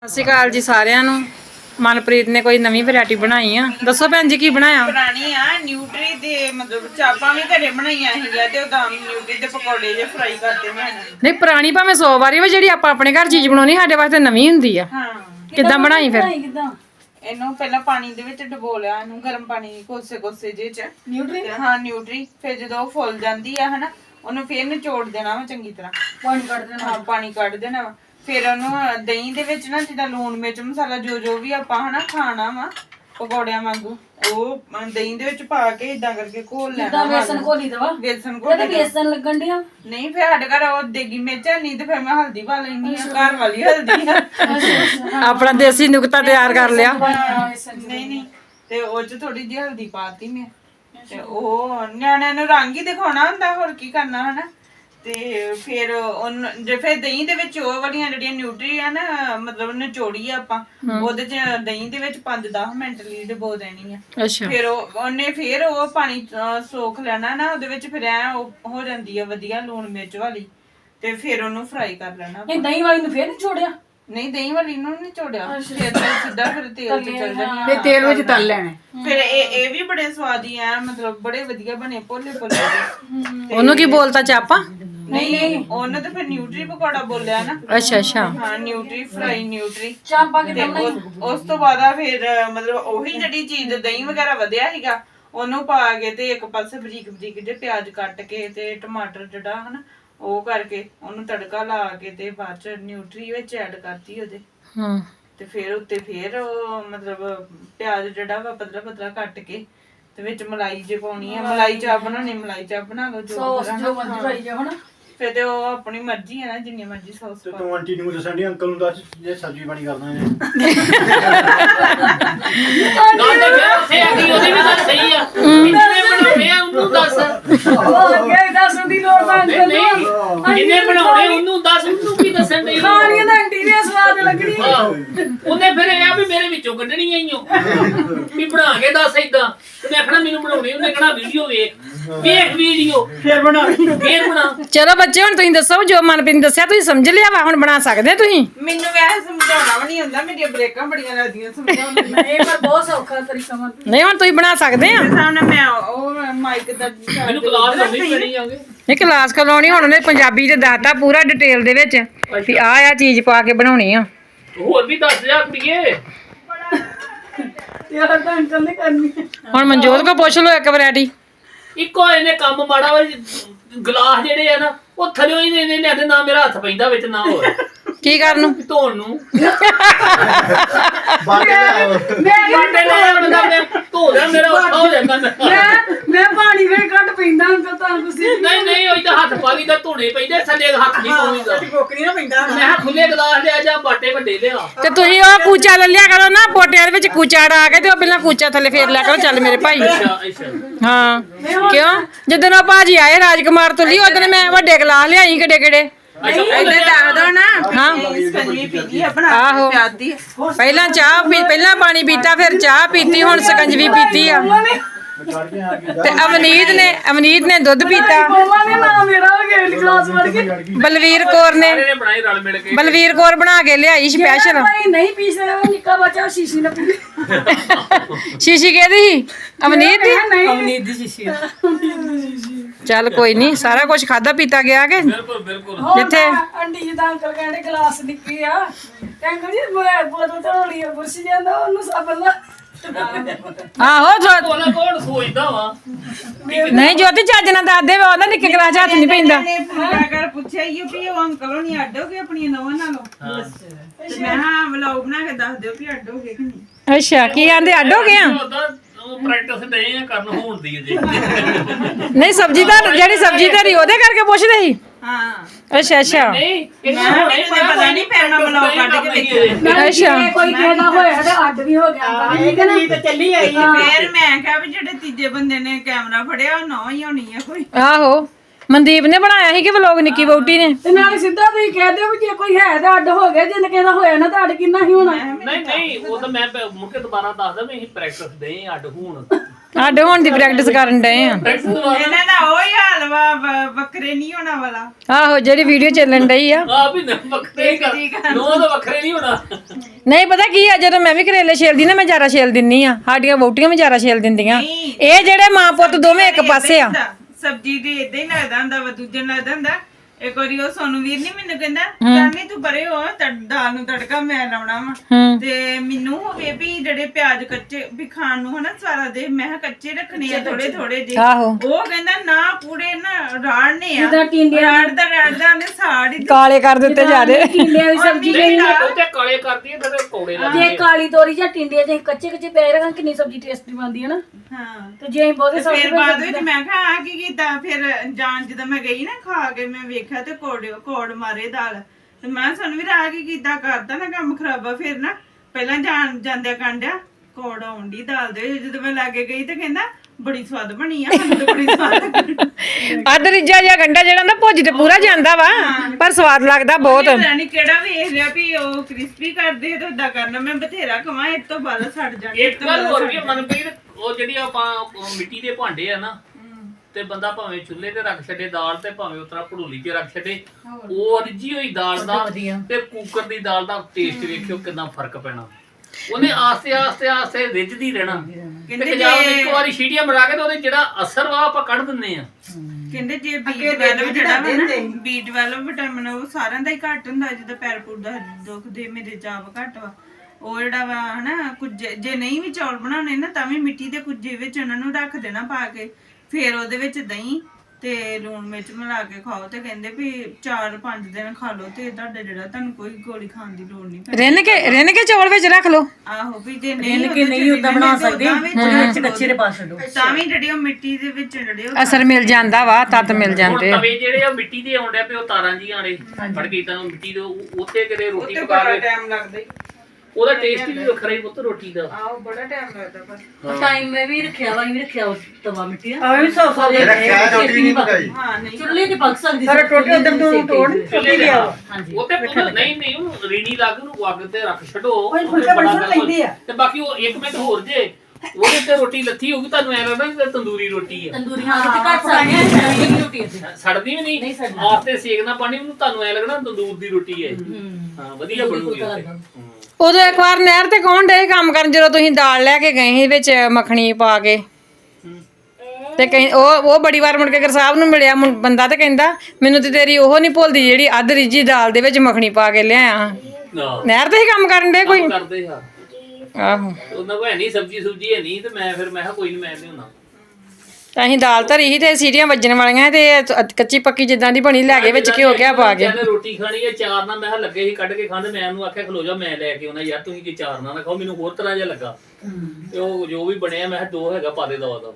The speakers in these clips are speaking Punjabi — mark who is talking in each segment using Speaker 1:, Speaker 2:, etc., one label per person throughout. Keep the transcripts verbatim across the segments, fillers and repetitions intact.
Speaker 1: ਸਤਿ ਸ਼੍ਰੀ ਅਕਾਲ ਜੀ ਸਾਰਿਆਂ ਨੂੰ। ਮਨਪ੍ਰੀਤ ਨੇ ਕੋਈ ਨਵੀਂ ਵੈਰਾਈਟੀ ਬਣਾਈ ਆ। ਦੱਸੋ ਭੈਣ ਜੀ ਕੀ ਬਣਾਇਆ?
Speaker 2: ਬਣਾਣੀ ਆ ਨਿਊਟਰੀ ਦੇ ਮਤਲਬ ਚਾਪਾਂ ਵੀ ਘਰੇ ਬਣਾਈਆਂ ਸੀਗਾ ਤੇ ਉਹਦਾ ਨਿਊਟਰੀ ਦੇ ਪਕੌੜੇ ਜੇ ਫਰਾਈ ਕਰਦੇ ਮੈਂ।
Speaker 1: ਨਹੀਂ ਪੁਰਾਣੀ ਭਾਵੇਂ ਸੌ ਵਾਰੀ ਵਾ, ਜਿਹੜੀ ਆਪਾਂ ਆਪਣੇ ਘਰ ਚੀਜ਼ ਬਣਾਉਣੀ ਸਾਡੇ ਵਾਸਤੇ ਨਵੀਂ ਹੁੰਦੀ ਆ।
Speaker 2: ਹਾਂ
Speaker 1: ਕਿੱਦਾਂ ਬਣਾਈ ਫਿਰ?
Speaker 2: ਇਹਨੂੰ ਪਹਿਲਾਂ ਪਾਣੀ ਦੇ ਵਿੱਚ ਡਬੋ ਲਿਆ, ਇਹਨੂੰ ਗਰਮ ਪਾਣੀ ਕੋਸੇ ਕੋਸੇ ਜੇ ਚ ਨਿਊਟਰੀ ਹਾਂ ਨਿਊਟਰੀ ਫਿਰ ਜਦੋਂ ਉਹ ਫੁੱਲ ਜਾਂਦੀ ਆ ਹਨਾ ਉਹਨੂੰ ਫਿਰ ਨਿਚੋੜ ਦੇਣਾ ਵਾ ਚੰਗੀ ਤਰ੍ਹਾਂ, ਪਾਣੀ ਕੱਢ ਦੇਣਾ। ਹਾਂ ਪਾਣੀ ਕੱਢ ਦੇਣਾ ਵਾ। ਫਿਰ ਉਹਨੂੰ ਦਹੀਂ ਦੇ ਵਿੱਚ ਨਾ ਜਿੱਦਾਂ ਲੂਣ ਮਿਰਚ ਮਸਾਲਾ ਜੋ ਜੋ ਵੀ ਆਪਾਂ ਹਨਾ ਖਾਣਾ ਵਾ ਪਕੌੜਿਆਂ ਵਾਂਗੂ ਉਹ ਦਹੀਂ ਦੇ ਵਿੱਚ ਪਾ ਕੇ ਇਦਾਂ ਕਰਕੇ ਘੋਲ ਲੈਣਾ।
Speaker 3: ਬੇਸਨ ਘੋਲੀ ਦਵਾ
Speaker 2: ਬੇਸਨ ਘੋਲ
Speaker 3: ਬੇਸਨ ਲੱਗਣ ਡਿਆ
Speaker 2: ਨਹੀਂ ਫਿਰ ਸਾਡੇ ਘਰ ਉਹ ਦੇਗੀ ਮਿਰਚ ਨਹੀਂ ਤੇ ਫਿਰ ਮੈਂ ਹਲਦੀ ਪਾ ਲੈਣੀ ਆ, ਘਰ ਵਾਲੀ ਹਲਦੀ ਆ।
Speaker 1: ਆਪਣਾ ਦੇਸੀ ਨੁਕਤਾ ਤਿਆਰ ਕਰ ਲਿਆ।
Speaker 2: ਨਹੀਂ ਨਹੀਂ ਤੇ ਉਹ ਚ ਥੋੜੀ ਜਿਹੀ ਹਲਦੀ ਪਾਤੀ ਮੈਂ ਤੇ ਉਹ ਨਿਆਣਿਆਂ ਨੂੰ ਰੰਗ ਹੀ ਦਿਖਾਉਣਾ ਹੁੰਦਾ, ਹੋਰ ਕੀ ਕਰਨਾ ਹਨਾ। ਤੇ ਫਿਰ ਉਹਨ ਜੇ ਫਿਰ ਦਹੀਂ ਦੇ ਵਿੱਚ ਉਹ ਵਾਲੀਆਂ ਜਿਹੜੀਆਂ ਨਿਊਟਰੀ ਆ ਨਾ ਮਤਲਬ ਨਿਚੋੜੀ ਆ ਆਪਾਂ ਉਹਦੇ ਚ ਦਹੀਂ ਦੇ ਵਿੱਚ ਪੰਜ ਦਸ ਮਿੰਟ ਲਈ ਡਬੋ ਦੇਣੀ ਆ।
Speaker 1: ਅੱਛਾ
Speaker 2: ਫਿਰ ਉਹ ਉਹਨੇ ਫਿਰ ਉਹ ਪਾਣੀ ਸੋਖ ਲੈਣਾ ਨਾ ਉਹਦੇ ਵਿੱਚ, ਫਿਰ ਐ ਹੋ ਜਾਂਦੀ ਆ ਵਧੀਆ ਲੂਣ ਮਿਰਚ ਵਾਲੀ ਤੇ ਫਿਰ ਉਹਨੂੰ ਫਰਾਈ ਕਰ ਲੈਣਾ।
Speaker 3: ਇਹ ਦਹੀਂ ਵਾਲੀ ਨੂੰ ਫੇਰ ਨੀ ਛੋੜਿਆ?
Speaker 2: ਨਹੀਂ ਦਹੀਂ ਵਾਲੀ ਨੂੰ ਨਹੀਂ ਛੋੜਿਆ, ਫਿਰ ਸਿੱਧਾ ਫਿਰ ਤੇਲ ਚ ਚਲ ਜਾਣੀ।
Speaker 3: ਫੇਰ ਤੇਲ ਵਿੱਚ ਤਲ ਲੈਣਾ।
Speaker 2: ਫਿਰ ਇਹ ਇਹ ਵੀ ਬੜੇ ਸਵਾਦੀ ਆ, ਮਤਲਬ ਬੜੇ ਵਧੀਆ ਬਣੇ ਭੋਲੇ ਭੋਲੇ।
Speaker 1: ਉਹਨੂੰ ਕੀ ਬੋਲਤਾ ਚਾਪਾ?
Speaker 2: ਨਹੀਂ ਨਹੀਂ ਉਹਨੇ ਤਾਂ ਫਿਰ ਨਿਊਟਰੀ ਪਕੌੜਾ ਬੋਲਿਆ ਨਾ।
Speaker 1: ਅੱਛਾ ਅੱਛਾ
Speaker 2: ਹਾਂ ਨਿਊਟਰੀ ਫਰਾਈ ਨਿਊਟਰੀ
Speaker 3: ਚਾਂਪਾ
Speaker 2: ਤੇ
Speaker 3: ਕਿਦਾਂ ਬਣਾਈ?
Speaker 2: ਉਸ- ਉਸ ਤੋਂ ਬਾਅਦ ਆ ਫਿਰ ਮਤਲਬ ਉਹੀ ਜਿਹੜੀ ਚੀਜ਼ ਦਹੀਂ ਵਗੈਰਾ ਵਧਿਆ ਸੀਗਾ ਉਹਨੂੰ ਪਾ ਕੇ ਤੇ ਇੱਕ ਪਾਸੇ ਬਰੀਕ ਬਰੀਕ ਜਿਹੇ ਪਿਆਜ਼ ਕੱਟ ਕੇ ਤੇ ਟਮਾਟਰ ਜਿਹੜਾ ਹਨਾ ਉਹ ਕਰਕੇ ਉਹਨੂੰ ਤੜਕਾ ਲਾ ਕੇ ਤੇ ਬਾਅਦ ਚ ਨਿਊਟਰੀ ਵਿੱਚ ਐਡ ਕਰਤੀ ਉਹਦੇ।
Speaker 1: ਹਾਂ
Speaker 2: ਤੇ ਫਿਰ ਉੱਤੇ ਫਿਰ ਉਹ ਮਤਲਬ ਪਿਆਜ਼ ਜਿਹੜਾ ਵਾ ਪਤਲਾ ਪਤਲਾ ਕੱਟ ਕੇ ਤੇ ਵਿੱਚ ਮਲਾਈ ਜੇ ਪਾਉਣੀ ਆ। ਮਲਾਈ ਚਾਹ ਬਣਾਉਣੀ ਮਲਾਈ ਚਾਹ ਬਣਾ ਲਓ ਜੋ
Speaker 3: ਸੌਸ
Speaker 2: ਕਰਨਾ।
Speaker 3: ਜੋ ਮਰਜ਼ੀ ਪਾਈ ਜਾ ਹਨਾ।
Speaker 2: ਫਿਰ ਤੇ ਉਹ ਆਪਣੀ ਮਰਜ਼ੀ ਹੈ ਨਾ ਜਿੰਨੀ ਮਰਜ਼ੀ ਸੌਸ
Speaker 4: ਤੇ
Speaker 2: ਪਾ।
Speaker 4: ਤੂੰ ਆਂਟੀ ਨੂੰ ਦੱਸਣ ਦੀ ਅੰਕਲ ਨੂੰ ਦੱਸ ਜੇ ਸਬਜ਼ੀ ਪਾਣੀ ਕਰਨਾ ਹੈ।
Speaker 5: ਗੱਲ ਤੇ ਫਿਰ ਉੱਥੇ ਆ ਗਈ, ਉਹਦੀ ਵੀ ਗੱਲ ਸਹੀ ਆ। ਜਿਹਨੇ ਬਣਾਉਣੇ ਆ ਉਹਨੂੰ ਦੱਸ।
Speaker 3: ਉਹ ਅੱਗੇ ਦੱਸਣ ਦੀ ਲੋੜ ਤਾਂ ਅੰਕਲ
Speaker 5: ਨਹੀਂ
Speaker 3: ਨੂੰ।
Speaker 5: ਜਿਹਨੇ ਬਣਾਉਣੇ ਉਹਨੂੰ ਦੱਸ, ਉਹਨੂੰ ਕੀ ਦੱਸਣ ਦੀ
Speaker 3: ਖਾਣੀਆਂ ਤਾਂ ਆਂਟੀ ਨੇ ਸਵਾਦ ਲੱਗਣੀ।
Speaker 5: ਉਹਨੇ ਫਿਰ ਇਹ ਆ ਵੀ ਮੇਰੇ ਵਿੱਚੋਂ ਕੱਢਣੀ ਆਈਓ ਵੀ ਬਣਾ ਕੇ ਦੱਸ ਏਦਾਂ। ਉਹਨੇ ਆਖਣਾ ਮੈਨੂੰ ਬਣਾਉਣੀ, ਉਹਨੇ ਕਹਣਾ ਵੀਡੀਓ ਵੇਖ ਵੇਖ ਵੀਡੀਓ ਫਿਰ ਬਣਾ ਫਿਰ ਬਣਾ।
Speaker 1: ਚਲੋ ਬੱਚੇ ਹੁਣ ਤੁਸੀਂ ਦੱਸੋ ਜੋ ਮਨਪ੍ਰੀਤ ਨੇ ਦੱਸਿਆ ਤੁਸੀਂ ਸਮਝ ਲਿਆ ਵਾ, ਹੁਣ ਬਣਾ ਸਕਦੇ ਤੁਸੀਂ?
Speaker 2: ਮੈਨੂੰ ਵੈਸੇ ਸਮਝਾਉਣਾ ਵੀ ਨਹੀਂ ਹੁੰਦਾ, ਮੇਰੀਆਂ ਬ੍ਰੇਕਾਂ ਬੜੀਆਂ ਲੱਗਦੀਆਂ ਸਮਝਾਉਣ ਨੂੰ।
Speaker 3: ਇਹ ਪਰ ਬਹੁਤ ਸੌਖਾ ਤਰੀਕਾ ਮਨ।
Speaker 1: ਨਹੀਂ ਹੁਣ ਤੁਸੀਂ ਬਣਾ ਸਕਦੇ ਆ।
Speaker 2: ਸਾਹਮਣੇ ਮੈਂ ਉਹ ਮਾਈਕ ਦਾ
Speaker 5: ਮੈਨੂੰ ਕਲਾਸ ਲਾਉਣੀ ਪੈਣੀ ਆਗੇ।
Speaker 1: ਇਹ ਕਲਾਸ ਕਲਾਉਣੀ ਹੁਣ ਉਹਨੇ ਪੰਜਾਬੀ ਚ ਦੱਸਤਾ ਪੂਰਾ ਡਿਟੇਲ ਦੇ ਵਿੱਚ ਵੀ ਆ ਆ ਚੀਜ਼ ਪਾ ਕੇ ਬਣਾਉਣੀ ਆ।
Speaker 5: ਹੋਰ ਵੀ ਦਸ ਹਜ਼ਾਰ ਰੁਪਈਏ
Speaker 3: ਯਾਰ ਤਾਂ ਅੰਕਲ ਨੇ ਕਰਨੀ।
Speaker 1: ਹੁਣ ਮਨਜੋਤ ਕੋ ਪੁੱਛ ਲਓ ਇੱਕ ਵੈਰਾਈਟੀ।
Speaker 5: ਇੱਕੋ ਇਹਨੇ ਕੰਮ ਮਾੜਾ ਵਾ, ਗਲਾਸ ਜਿਹੜੇ ਆ ਨਾ ਉਹ ਥਲਿਓ ਹੀ ਨੇ ਲਿਆਦੇ, ਨਾ ਮੇਰਾ ਹੱਥ ਪੈਂਦਾ ਵਿੱਚ ਨਾ ਹੋਰ
Speaker 1: ਕੀ ਕਰਨ ਨੂੰ?
Speaker 5: ਧੋਣ ਨੂੰ।
Speaker 4: ਬਾਕੀ
Speaker 3: ਮੈਂ
Speaker 5: ਬਾਟੇ ਨਾਲ ਬੰਦਾ ਮੈਂ ਧੋ ਲਿਆ, ਮੇਰਾ ਔਖਾ ਹੋ ਜਾਂਦਾ।
Speaker 3: ਮੈਂ ਮੈਂ ਪਾਣੀ ਵੇ ਘੱਟ ਪੀਂਦਾ ਅੰਕਲ ਤਾਂ ਤੁਸੀਂ।
Speaker 5: ਨਹੀਂ ਨਹੀਂ ਉਹ ਤਾਂ ਹੱਥ ਪਾ ਲਈ ਤਾਂ ਧੋਣੇ ਪੈਂਦੇ, ਥੱਲੇ ਹੱਥ ਨਹੀਂ ਪਾਉਂਦਾ।
Speaker 2: ਕੋਕਰੀ ਨਾ ਪੈਂਦਾ।
Speaker 5: ਮੈਂ ਕਿਹਾ ਖੁੱਲੇ ਗਲਾਸ ਲਿਆ ਜਾਂ ਬਾਟੇ ਵੱਡੇ ਲਿਆ।
Speaker 1: ਤੇ ਤੁਸੀਂ ਉਹ ਕੂਚਾ ਲੈ ਲਿਆ ਕਰੋ ਨਾ, ਪੋਟਿਆਂ ਦੇ ਵਿੱਚ ਕੂਚਾ ਡਾ ਕੇ ਤੇ ਉਹ ਪਹਿਲਾਂ ਕੂਚਾ ਥੱਲੇ ਫੇਰ ਲਿਆ ਕਰੋ। ਚੱਲ ਮੇਰੇ ਭਾਈ
Speaker 5: ਅੱਛਾ ਅੱਛਾ
Speaker 1: ਹਾਂ ਕਿਉਂ ਜਦੋਂ ਉਹ ਭਾਜੀ ਆਏ ਰਾਜਕੁਮਾਰ ਤੋਂ ਲਈ ਉਦੋਂ ਮੈਂ ਵੱਡੇ ਗਲਾਸ ਲਿਆਈ ਕਿਹੜੇ ਕਿਹੜੇ।
Speaker 5: ਅੱਛਾ ਉਹ
Speaker 2: ਇਹਦੇ ਦੱਸ ਦੋ ਨਾ।
Speaker 1: ਹਾਂ
Speaker 2: ਸਕੰਜਵੀ ਪੀਤੀ ਆ ਬਣਾ
Speaker 1: ਆਹੋ
Speaker 2: ਕੇ ਪਿਆਦੀ।
Speaker 1: ਪਹਿਲਾਂ ਚਾਹ ਪੀ ਪਹਿਲਾਂ ਪਾਣੀ ਪੀਤਾ ਫਿਰ ਚਾਹ ਪੀਤੀ ਹੁਣ ਸਕੰਜਵੀ ਪੀਤੀ ਆ।
Speaker 4: ਚੜ ਕੇ ਆ ਗਈ
Speaker 1: ਤੇ ਅਮਨੀਤ ਨੇ ਅਮਨੀਤ ਨੇ ਦੁੱਧ ਪੀਤਾ।
Speaker 3: ਮੰਮਾ ਨੇ ਨਾਮ ਮੇਰਾ ਹੋ ਗਿਆ ਕਲਾਸ ਵੜ ਕੇ।
Speaker 1: ਬਲਵੀਰ ਕੌਰ ਨੇ
Speaker 5: ਸਾਰਿਆਂ ਨੇ ਬਣਾਈ ਰਲ ਮਿਲ ਕੇ।
Speaker 1: ਬਲਵੀਰ ਕੌਰ ਬਣਾ ਕੇ ਲਿਆਈ ਸਪੈਸ਼ਲ।
Speaker 3: ਭਾਈ ਨਹੀਂ ਪੀ ਸਕਦਾ ਉਹ ਨਿੱਕਾ ਬੱਚਾ ਸ਼ੀਸ਼ੀ ਨਾ ਪੀ।
Speaker 1: ਸ਼ੀਸ਼ੀ ਕਿਹਦੀ ਸੀ? ਅਮਨੀਤ ਦੀ?
Speaker 3: ਨਹੀਂ
Speaker 2: ਅਮਨੀਤ ਦੀ ਸ਼ੀਸ਼ੀ।
Speaker 1: ਚੱਲ ਕੋਈ ਨਹੀਂ ਸਾਰਾ ਕੁਝ ਖਾਦਾ ਪੀਤਾ ਗਿਆ ਕਿ
Speaker 5: ਬਿਲਕੁਲ ਬਿਲਕੁਲ।
Speaker 1: ਜਿੱਥੇ
Speaker 3: ਆਂਟੀ ਜੀ ਦਾ ਅੰਕਲ ਕਹਿੰਦੇ ਗਲਾਸ ਨਿੱਕੀ ਆ ਕਹਿੰਦੇ ਜੀ ਬੋਤਲ ਧੋਣੀ ਆ ਬੁਰਸ਼ ਜਾਂਦਾ ਉਹਨੂੰ ਸਾਬਣ ਲਾ।
Speaker 1: ਆਹੋ ਜੋ-
Speaker 5: ਕੋਲਾ ਕੋਲ ਸੋਚਦਾ ਵਾ
Speaker 1: ਨਹੀਂ ਜੋਤੀ ਚੱਜ ਨਾਲ ਦੱਸ ਦੇ ਉਹਦਾ ਨਿੱਕੇ ਗਲਾਸ 'ਚ ਹੱਥ ਨਹੀਂ ਪੈਂਦਾ।
Speaker 2: ਨੇ ਪੂਰਾ ਕਰ ਪੁੱਛਿਆ ਹੀ ਵੀ ਉਹ ਅੰਕਲ ਹੋਣੀ ਅੱਡ ਹੋ ਗਏ ਆਪਣੀਆਂ ਨਵਾਂ ਨਾਲੋਂ। ਤੇ ਮੈਂ ਹਾਂ ਵਲੌਗ ਬਣਾ ਕੇ ਦੱਸ ਦਿਓ ਵੀ ਅੱਡ ਹੋ ਗਏ ਕਿ ਨਹੀਂ।
Speaker 1: ਅੱਛਾ ਕੀ ਆਂਦੇ ਅੱਡ ਹੋ ਗਏ ਆ?
Speaker 5: ਉਹਦਾ ਉਹ ਪ੍ਰੈਕਟਿਸ ਨਹੀਂ ਆ ਕਰਨ ਹੋਣ ਦੀ ਅਜੇ।
Speaker 1: ਨਹੀਂ ਸਬਜ਼ੀ ਤਾਂ ਜਿਹੜੀ ਸਬਜ਼ੀ ਧਰੀ ਉਹਦੇ ਕਰਕੇ ਪੁੱਛਦੇ ਸੀ।
Speaker 2: ਹਾਂ
Speaker 1: ਅੱਛਾ ਅੱਛਾ
Speaker 5: ਨਹੀਂ
Speaker 2: ਮੈਂ ਮੈਨੂੰ ਤਾਂ ਪਤਾ ਨਹੀਂ ਪੈਣਾ ਵਲੌਗ ਕੱਢ ਕੇ ਦੇਖਿਆ।
Speaker 1: ਅੱਛਾ
Speaker 3: ਕੋਈ ਕਿਹਦਾ ਹੋਇਆ ਤੇ ਅੱਡ ਵੀ ਹੋ ਗਿਆ ਠੀਕ ਹੈ ਨਾ।
Speaker 2: ਚੱਲੀ ਆਈ ਫਿਰ ਮੈਂ ਕਿਹਾ ਵੀ ਜਿਹੜੇ ਤੀਜੇ ਬੰਦੇ ਨੇ ਕੈਮਰਾ ਫੜਿਆ ਉਹ ਨਾ ਹੀ ਹੋਣੀ ਆ ਕੋਈ।
Speaker 1: ਆਹੋ ਮਨਦੀਪ ਨੇ ਬਣਾਇਆ ਸੀ ਕਿ ਵਲੋਗ ਨਿੱਕੀ ਬੌਟੀ ਨੇ।
Speaker 3: ਤੇ ਨਾਲੇ ਸਿੱਧਾ ਤੁਸੀਂ ਕਹਿ ਦਿਓ ਵੀ ਜੇ ਕੋਈ ਹੈ ਤਾਂ ਅੱਡ ਹੋ ਗਿਆ, ਜੇ ਕਿਸੇ ਦਾ ਹੋਇਆ ਨਾ ਤਾਂ ਅੱਡ ਕਿੰਨਾ ਹੀ ਹੋਣਾ।
Speaker 5: ਨਹੀਂ ਨਹੀਂ ਉਹ ਤਾਂ ਮੈਂ ਪ- ਮੁੜ ਕੇ ਦੁਬਾਰਾ ਦੱਸਦਾ ਵੀ ਅਸੀਂ ਪ੍ਰੈਕਟਿਸ ਦੇ ਅੱਡ ਹੋਣ।
Speaker 1: ਸਾਡੇ ਹੁਣ ਦੀ ਪ੍ਰੈਕਟਿਸ ਕਰਨ ਡਏ ਆ
Speaker 2: ਇਹਨਾਂ ਦਾ ਉਹ ਹੀ ਹਾਲ ਵਾ ਵ- ਵੱਖਰੇ ਨਹੀਂ ਹੋਣਾ ਵਾਲਾ।
Speaker 1: ਆਹੋ ਜਿਹੜੀ ਵੀਡੀਓ ਚੱਲਣ ਡਈ ਆ
Speaker 5: ਆ ਵੀ ਵੱਖਰੇ ਕਰ ਨੋ ਤਾਂ ਵੱਖਰੇ ਨਹੀਂ ਹੋਣਾ।
Speaker 1: ਨਹੀਂ ਪਤਾ ਕੀ ਆ ਜਦੋਂ ਮੈਂ ਵੀ ਕਰੇਲੇ ਛੇਲਦੀ ਨਾ ਮੈਂ ਜਾਰਾ ਛੇਲ ਦਿੰਨੀ ਆ ਸਾਡੀਆਂ ਵਹੁਟੀਆਂ ਵੀ ਜਾਰਾ ਛੇਲ ਦਿੰਦੀਆਂ ਇਹ ਜਿਹੜੇ ਮਾਂ ਪੁੱਤ ਦੋਵੇਂ ਇੱਕ ਪਾਸੇ ਆ
Speaker 2: ਸਬਜੀ ਦੇ ਇਦਾਂ ਹੀ ਲੱਗਦਾ ਹੁੰਦਾ ਵਾ ਦੂਜੇ ਨੂੰ ਲੱਗਦਾ ਹੁੰਦਾ। ਇੱਕ ਵਾਰੀ ਉਹ ਸੋਨੂ ਵੀਰ ਨਹੀਂ ਮੈਨੂੰ ਕਹਿੰਦਾ ਜਾਨੀ ਤੂੰ ਪਰੇ ਹੋ ਤੜ- ਦਾਲ ਨੂੰ ਤੜਕਾ ਮੈਂ ਲਾਉਣਾ ਵਾ
Speaker 1: ਹੂੰ
Speaker 2: ਤੇ ਮੈਨੂੰ ਹੋਵੇ ਵੀ ਜਿਹੜੇ ਪਿਆਜ਼ ਕੱਚੇ ਵੀ ਖਾਣ ਨੂੰ ਹਨਾ ਸਾਰਾ ਦੇ ਮੈਂ ਕਿਹਾ ਕੱਚੇ ਰੱਖਣੇ ਆ ਥੋੜੇ ਥੋੜੇ ਜਿਹੇ।
Speaker 1: ਆਹੋ
Speaker 2: ਉਹ ਕਹਿੰਦਾ ਨਾ ਪੂਰੇ ਨਾ ਰਾੜਨੇ ਆ
Speaker 3: ਜਿੱਦਾਂ ਟਿੰਡਿਆਂ
Speaker 2: ਰਾੜਦਾ ਰਾੜਦਾ ਉਹਨੇ ਸਾੜ ਹੀ
Speaker 1: ਕਾਲੇ ਕਰ ਦਿੱਤੇ ਜਾਦੇ
Speaker 3: ਟਿੰਡਿਆਂ ਦੀ ਸਬਜ਼ੀ
Speaker 5: ਨਹੀਂ ਉਹ ਤੇ ਕਾਲੇ ਕਰਦੀ ਹੈ ਤੇ ਕੌੜੇ
Speaker 3: ਜੇ
Speaker 5: ਲੱਗਦੇ
Speaker 3: ਕਾਲੀ ਤੋਰੀ ਜਾਂ ਟਿੰਡੇ ਜੇ ਕੱਚੇ ਕੱਚੇ ਪੈ ਰਹਾਂ ਕਿੰਨੀ ਸਬਜ਼ੀ ਟੇਸਟੀ ਬਣਦੀ ਹੈ ਨਾ।
Speaker 2: ਹਾਂ
Speaker 3: ਤੇ ਜੇ ਅਸੀਂ ਬਹੁਤੇ ਸਬਜ਼ੀ
Speaker 2: ਫਿਰ ਬਾਅਦ ਵਿੱਚ ਮੈਂ ਕਿਹਾ ਆ ਕੀ ਕੀਤਾ ਫਿਰ ਜਾਣ ਜਦੋਂ ਮੈਂ ਗਈ ਨਾ ਖਾ ਕੇ ਮੈਂ ਵੇਖਿਆ ਤੇ ਕੋੜ ਕੋੜ ਮਾਰੇ ਦਾਲ ਤੇ ਮੈਂ ਸਾਨੂੰ ਵੀ ਆ ਕੀ ਕੀਤਾ ਕਰਦਾ ਨਾ ਕੰਮ ਖਰਾਬਾ ਫਿਰ ਨਾ ਪਹਿਲਾਂ ਜਾਣ ਜਾਂਦਿਆਂ ਕਾਂਡਿਆ ਕੋੜ ਆਉਂਦੀ ਦਾਲ ਦੇ ਜਦੋਂ ਮੈਂ ਲਾਗੇ ਗਈ ਤੇ ਕਹਿੰਦਾ ਬੜੀ ਸਵਾਦ ਬਣੀ ਆ ਮੈਨੂੰ ਤਾਂ ਬੜੀ ਸਵਾਦ ਲੱਗੀ।
Speaker 1: ਅੱਧ ਰਿੱਜਾ ਜਿਹਾ ਗੰਡਾ ਜਿਹੜਾ ਨਾ ਭੁੱਜ ਤੇ ਪੂਰਾ ਜਾਂਦਾ ਵਾ ਪਰ ਸਵਾਦ ਲੱਗਦਾ ਬਹੁਤ
Speaker 2: ਪਤਾ ਨੀ ਕਿਹੜਾ ਵੇਖ ਲਿਆ ਵੀ ਉਹ ਕ੍ਰਿਸਪੀ ਕਰਦੇ ਤੇ ਓਦਾਂ ਕਰਨਾ ਮੈਂ ਬਥੇਰਾ ਕਵਾਂ ਇਹ ਤੋਂ ਬਾਅਦ ਸੜ ਜਾਣੀ
Speaker 5: ਇੱਕ ਗੱਲ ਹੋਰ ਵੀ ਆ ਮਨਪ੍ਰੀਤ ਉਹ ਜਿਹੜੀ ਆਪਾਂ ਉਹ ਮਿੱਟੀ ਦੇ ਭਾਂਡੇ ਆ ਨਾ ਤੇ ਬੰਦਾ ਭਾਵੇਂ ਚੁੱਲ੍ਹੇ ਤੇ ਰੱਖ ਛੱਡੇ ਦਾਲ ਤੇ ਭਾਵੇਂ ਉਤਰਾ ਭੜੋਲੀ 'ਚ ਰੱਖ ਛੱਡੇ ਉਹ ਰਿੱਝੀ ਹੋਈ ਦਾਲ ਦਾ ਤੇ ਕੁੱਕਰ ਦੀ ਦਾਲ ਦਾ ਟੇਸਟ ਵੇਖਿਓ ਕਿੰਨਾ ਫਰਕ ਪੈਣਾ। ਉਹਨੇ ਆਸਤੇ ਆਸਤੇ ਆਸਤੇ ਰਿੱਝਦੀ ਰਹਿਣਾ ਤੇ ਜਦੋਂ ਇੱਕ ਵਾਰੀ ਸੀਟੀਆਂ ਮਰਾ ਕੇ ਤੇ ਉਹਦੇ ਜਿਹੜਾ ਅਸਰ ਵਾ ਆਪਾਂ ਕੱਢ ਦਿੰਨੇ ਆ।
Speaker 2: ਕਹਿੰਦੇ ਜੇ ਬੀ ਡਿਵੈਲਪ ਜਿਹੜਾ ਵਾ ਨਾ ਬੀ ਡਿਵੈਲਪ ਵਿਟਾਮਿਨ ਉਹ ਸਾਰਿਆਂ ਦਾ ਹੀ ਘੱਟ ਹੁੰਦਾ ਜਿੱਦਾਂ ਪੈਰ ਪੂਰ ਦਾ ਦੁਖਦੇ ਮੇਰੇ ਜਾਬ ਘੱਟ ਵਾ ਉਹ ਜਿਹੜਾ ਵਾ ਹਨਾ ਕੁੱਜੇ ਜੇ ਨਹੀਂ ਵੀ ਚੌਲ ਬਣਾਉਣੇ ਨਾ ਤਾਂ ਵੀ ਮਿੱਟੀ ਦੇ ਕੁੱਜੇ ਵਿੱਚ ਉਹਨਾਂ ਨੂੰ ਰੱਖ ਦੇਣਾ ਪਾ ਕੇ ਫਿਰ ਉਹਦੇ ਵਿੱਚ ਦਹੀਂ ਤੇ ਲੂਣ ਮਿਰਚ ਮਿਲਾ ਕੇ ਖਾਓ ਤੇ ਕਹਿੰਦੇ ਵੀ ਚਾਰ ਪੰਜ ਦਿਨ ਖਾ ਲਓ ਤੇ ਤੁਹਾਡਾ ਜਿਹੜਾ ਤੁਹਾਨੂੰ ਕੋਈ ਗੋਲੀ ਖਾਣ ਦੀ ਲੋੜ ਨਹੀਂ ਪੈਂਦੀ।
Speaker 1: ਰਿੰਨ ਕੇ ਰਿੰਨ ਕੇ ਚੌਲ ਵਿੱਚ ਰੱਖ ਲਓ
Speaker 2: ਆਹੋ ਵੀ ਜੇ ਨਹੀਂ
Speaker 3: ਕਿ ਨਹੀਂ ਉਦਾਂ ਬਣਾ ਸਕਦੇ ਵਿੱਚ ਕੱਚੇ ਦੇ ਪਾ ਛੱਡੋ
Speaker 2: ਤਾਂ ਵੀ ਜਿਹੜੇ ਉਹ ਮਿੱਟੀ ਦੇ ਵਿੱਚ ਜਿਹੜੇ ਉਹ
Speaker 1: ਅਸਰ ਮਿਲ ਜਾਂਦਾ ਵਾ ਤੱਤ ਮਿਲ
Speaker 5: ਹੁਣ
Speaker 1: ਜਾਂਦੇ ਆ
Speaker 5: ਤਵੇ ਜਿਹੜੇ ਆ ਮਿੱਟੀ ਦੇ ਆਉਂਦੇ ਪਏ ਉਹ ਤਾਰਾਂ ਜੀਆਂ ਨੇ ਫੜ ਕੇ ਤਾਂ ਮਿੱਟੀ ਦੇ ਉੱਤੇ ਕਿਤੇ ਰੋਟੀ
Speaker 2: ਤੇ
Speaker 5: ਪਕਾ
Speaker 2: ਬੜਾ
Speaker 5: ਕੇ
Speaker 2: ਟਾਈਮ ਲੱਗਦਾ ਹੀ
Speaker 5: ਉਹਦਾ ਟੇਸਟ ਵੀ ਵੱਖਰਾ ਹੀ ਪੁੱਤ ਰੋਟੀ ਦਾ।
Speaker 2: ਆਹੋ ਬੜਾ ਟਾਈਮ ਲੱਗਦਾ ਪਰ
Speaker 3: ਟਾਈਮ ਮੈਂ ਵੀ ਰੱਖਿਆ ਵਾ ਵੀ ਰੱਖਿਆ ਤਵਾ ਮਿੱਟੀ ਦਾ
Speaker 6: ਆਵੇਂ ਸੌ ਸੌ ਦੇ ਰੱਖਿਆ ਰੋਟੀ ਨਹੀਂ ਪਕਾਈ
Speaker 2: ਹਾਂ ਨਹੀਂ
Speaker 3: ਚੁੱਲ੍ਹੇ ਤੇ ਪੱਕ ਸਕਦੀ
Speaker 6: ਪਰ ਟੋਟੇ ਉਧਰ ਤੋਂ ਤੋੜ
Speaker 5: ਚੁੱਲ੍ਹੇ ਤੇ ਆ।
Speaker 3: ਹਾਂਜੀ
Speaker 5: ਉਹ ਤੇ ਪੁੱਤ ਨਹੀਂ ਨਹੀਂ ਉਹਨੂੰ ਰੀਣੀ ਲਾ ਕੇ ਉਹਨੂੰ ਅੱਗ ਤੇ ਰੱਖ ਛੱਡੋ
Speaker 6: ਉਹ ਫੁਲਕੇ ਬਣ ਸੋਹਣੇ ਲੈਂਦੇ ਆ।
Speaker 5: ਤੇ ਬਾਕੀ ਉਹ ਇੱਕ ਮਿੰਟ ਹੋਰ ਜੇ ਉਹਦੇ ਤੇ ਰੋਟੀ ਲੱਥੀ ਹੋਊਗੀ ਤੁਹਾਨੂੰ ਐ ਲੱਗਦਾ ਕਿ ਤੰਦੂਰੀ ਰੋਟੀ ਆ।
Speaker 3: ਤੰਦੂਰੀ ਹਾਂ ਤੇ ਘੱਟ ਸਕਦੀ ਹੈ ਰੋਟੀ ਇੱਥੇ
Speaker 5: ਸੜਦੀ ਵੀ ਨਹੀਂ ਆਸਤੇ ਸੇਕਣਾ ਪਾਣੀ ਉਹਨੂੰ ਤੁਹਾਨੂੰ ਐ ਲੱਗਣਾ ਤੰਦੂਰ ਦੀ ਰੋਟੀ ਹੈ। ਹਾਂ ਵਧੀਆ ਬਣੂਗੀ ਉੱਤੇ।
Speaker 1: ਉਦੋਂ ਇੱਕ ਵਾਰ ਨਹਿਰ ਤੇ ਕੌਣ ਡੇ ਕੰਮ ਕਰਨ ਜਦੋਂ ਤੁਸੀਂ ਦਾਲ ਲੈ ਕੇ ਗਏ ਸੀ ਵਿੱਚ ਮੱਖਣੀ ਪਾ ਕੇ ਤੇ ਕਹੀਂ ਉਹ ਉਹ ਬੜੀ ਵਾਰ ਮੁੜ ਕੇ ਗੁਰ ਸਾਹਿਬ ਨੂੰ ਮਿਲਿਆ ਮੁੰ- ਬੰਦਾ ਤੇ ਕਹਿੰਦਾ ਮੈਨੂੰ ਤੇ ਤੇਰੀ ਉਹ ਨਹੀਂ ਭੁੱਲਦੀ ਜਿਹੜੀ ਅੱਧ ਰਿੱਝੀ ਦਾਲ ਦੇ ਵਿੱਚ ਮੱਖਣੀ ਪਾ ਕੇ ਲਿਆਇਆ
Speaker 5: ਆਹ,
Speaker 1: ਨਹਿਰ ਤੇ ਹੀ ਕੰਮ ਕਰਨ ਡੇ ਕੋਈ
Speaker 5: ਕੰਮ ਕਰਦੇ ਆ
Speaker 1: ਆਹੋ
Speaker 5: ਉਹਨਾਂ ਕੋਲ ਹੈ ਨਹੀਂ ਸਬਜੀ ਸੁਬਜੀ ਹੈ ਨਹੀਂ ਤੇ ਮੈਂ ਫਿਰ ਮੈਂ ਕਿਹਾ ਕੋਈ ਨਹੀਂ ਮੈਂ ਲਿਆਉਣਾ।
Speaker 1: ਤਾਂ ਅਸੀਂ ਦਾਲ ਧਰੀ ਸੀ ਤੇ ਸੀਟੀਆਂ ਵੱਜਣ ਵਾਲੀਆਂ ਸੀ ਤੇ ਕੱਚੀ ਪੱਕੀ ਜਿੱਦਾਂ ਦੀ ਬਣੀ ਲੈ ਕੇ ਵਿੱਚ ਘਿਓ ਘਿਆ ਪਾ ਕੇ
Speaker 5: ਜਿਹਨੇ ਰੋਟੀ ਖਾਣੀ ਹੈ ਚਾਰ ਨਾਲ ਮੈਂ ਕਿਹਾ ਲੱਗੇ ਸੀ ਕੱਢ ਕੇ ਖਾਂਦੇ ਮੈਂ ਉਹਨੂੰ ਆਖਿਆ ਖਲੋ ਜਾ ਮੈਂ ਲੈ ਕੇ ਆਉਣਾ ਯਾਰ ਤੁਸੀਂ ਕੀ ਚਾਰ ਨਾਲ ਨਾ ਖਾਓ ਮੈਨੂੰ ਹੋਰ ਤਰ੍ਹਾਂ ਜਿਹਾ ਲੱਗਾ ਤੇ ਉਹ ਜੋ ਵੀ ਬਣਿਆ ਮੈਂ ਕਿਹਾ ਦੋ ਹੈਗਾ ਪਾ ਦੇ ਦਵਾ ਦਾ